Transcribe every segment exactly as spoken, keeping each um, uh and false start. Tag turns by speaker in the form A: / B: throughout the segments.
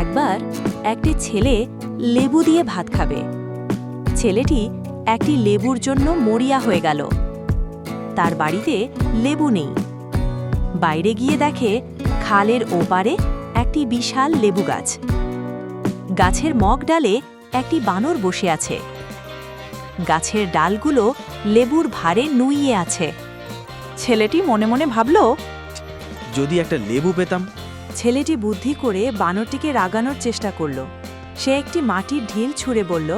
A: একবার একটি ছেলে লেবু দিয়ে ভাত খাবে। ছেলেটি একটি লেবুর জন্য মরিয়া হয়ে গেল। তার বাড়িতে লেবু নেই। বাইরে গিয়ে দেখে খালের ওপারে একটি বিশাল লেবু গাছ। গাছের মগ ডালে একটি বানর বসে আছে। গাছের ডালগুলো লেবুর ভারে নুইয়ে আছে। ছেলেটি মনে মনে ভাবল,
B: যদি একটা লেবু পেতাম।
A: ছেলেটি বুদ্ধি করে বানরটিকে রাগানোর চেষ্টা করল। সে একটি মাটির ঢিল ছুঁড়ে বলল,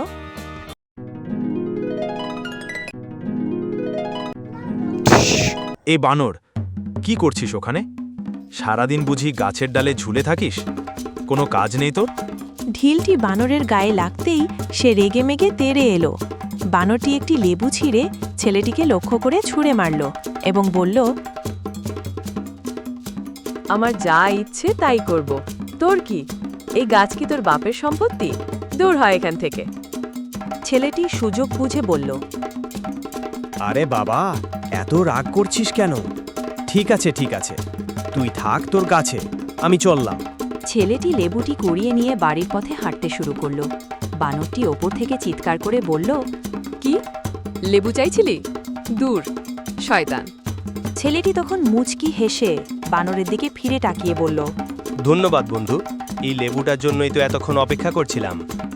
B: এ বানর, কি করছিস ওখানে? সারাদিন বুঝি গাছের ডালে ঝুলে থাকিস? কোনো কাজ নেই তোর?
A: ঢিলটি বানরের গায়ে লাগতেই সে রেগেমেগে তেড়ে এলো। বানরটি একটি লেবু ছিঁড়ে ছেলেটিকে লক্ষ্য করে ছুঁড়ে মারল এবং বলল, আমার যা ইচ্ছে তাই করব, তোর কি? এই গাছ কি তোর বাপের সম্পত্তি? দূর হয় এখান থেকে। ছেলেটি সুযোগ বুঝে বলল,
C: আরে বাবা, এত রাগ করছিস কেন? ঠিক আছে ঠিক আছে, তুই থাক তোর গাছে, আমি চললাম।
A: ছেলেটি লেবুটি কুড়িয়ে নিয়ে বাড়ির পথে হাঁটতে শুরু করলো। বানরটি ওপর থেকে চিৎকার করে বলল, কি লেবু চাইছিলি? দূর শয়তান। ছেলেটি তখন মুচকি হেসে বানরের দিকে ফিরে তাকিয়ে বলল,
D: ধন্যবাদ বন্ধু, এই লেবুটার জন্যই তো এতক্ষণ অপেক্ষা করছিলাম।